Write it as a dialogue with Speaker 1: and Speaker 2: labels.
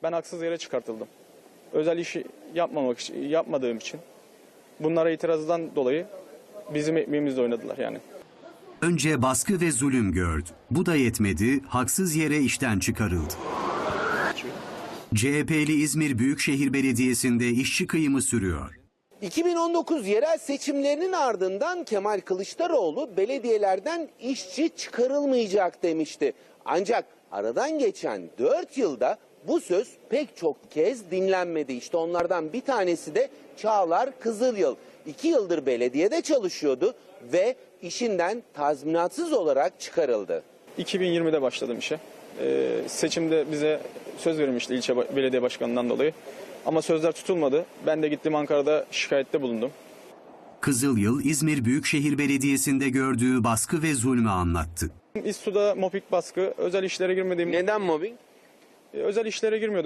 Speaker 1: Ben haksız yere çıkartıldım. Özel işi yapmadığım için. Bunlara itirazdan dolayı bizim ekmeğimizle oynadılar yani.
Speaker 2: Önce baskı ve zulüm gördü. Bu da yetmedi, haksız yere işten çıkarıldı. CHP'li İzmir Büyükşehir Belediyesi'nde işçi kıyımı sürüyor.
Speaker 3: 2019 yerel seçimlerinin ardından Kemal Kılıçdaroğlu belediyelerden işçi çıkarılmayacak demişti. Ancak aradan geçen 4 yılda bu söz pek çok kez dinlenmedi. İşte onlardan bir tanesi de Çağlar Kızılyıl. 2 yıldır belediyede çalışıyordu ve işinden tazminatsız olarak çıkarıldı.
Speaker 1: 2020'de başladım işe. Seçimde bize söz verilmişti ilçe belediye başkanından dolayı. Ama sözler tutulmadı. Ben de gittim Ankara'da şikayette bulundum.
Speaker 2: Kızılyıl, İzmir Büyükşehir Belediyesi'nde gördüğü baskı ve zulmü anlattı.
Speaker 1: İSSU'da mobbing baskı, özel işlere girmediğim...
Speaker 3: Neden mobbing?
Speaker 1: Özel işlere girmiyordum.